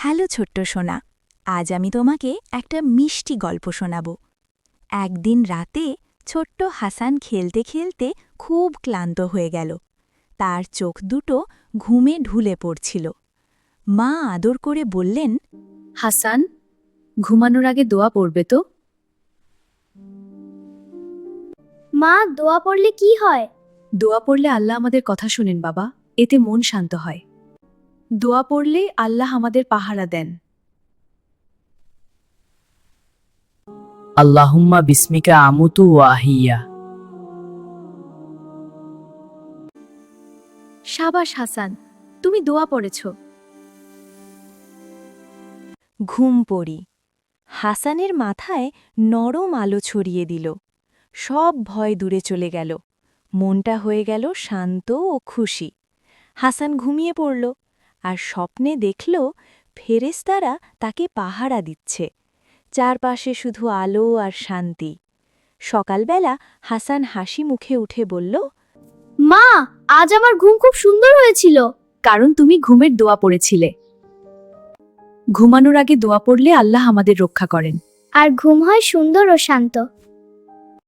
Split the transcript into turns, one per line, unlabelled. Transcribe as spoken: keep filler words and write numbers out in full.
Hello ছোট্ট সোনা, আজ আমি তোমাকে একটা মিষ্টি গল্প শোনাব। একদিন রাতে ছোট্ট হাসান খেলতে খেলতে খুব ক্লান্ত হয়ে গেল। তার চোখ দুটো ঘুমে ঢুলে পড়ছিল। মা আদর করে বললেন,
হাসান, ঘুমানোর আগে দোয়া পড়বে তো?
মা, দোয়া পড়লে কি হয়?
দোয়া পড়লে আল্লাহ আমাদের কথা শুনেন বাবা, এতে মন শান্ত হয়। দোয়া পড়লে আল্লাহ আমাদের পাহারা দেন।
আল্লাহুম্মা বিসমিকা আমুতু ওয়া আহিয়া।
সাবাস হাসান, তুমি দোয়া পড়েছ।
ঘুম পড়ি। হাসানের মাথায় নরম আলো ছড়িয়ে দিল। সব ভয় দূরে চলে গেল। মনটা হয়ে গেল শান্ত ও খুশি। হাসান ঘুমিয়ে পড়ল আর স্বপ্নে দেখল ফেরেশতারা তাকে পাহারা দিচ্ছে। চারপাশে শুধু আলো আর শান্তি। সকালবেলা হাসান হাসি মুখে উঠে বলল,
মা, আজ আমার ঘুম খুব সুন্দর হয়েছিল।
কারণ তুমি ঘুমের দোয়া পড়েছিলে। ঘুমানোর আগে দোয়া পড়লে আল্লাহ আমাদের রক্ষা করেন।
আর ঘুম হয় সুন্দর ও শান্ত।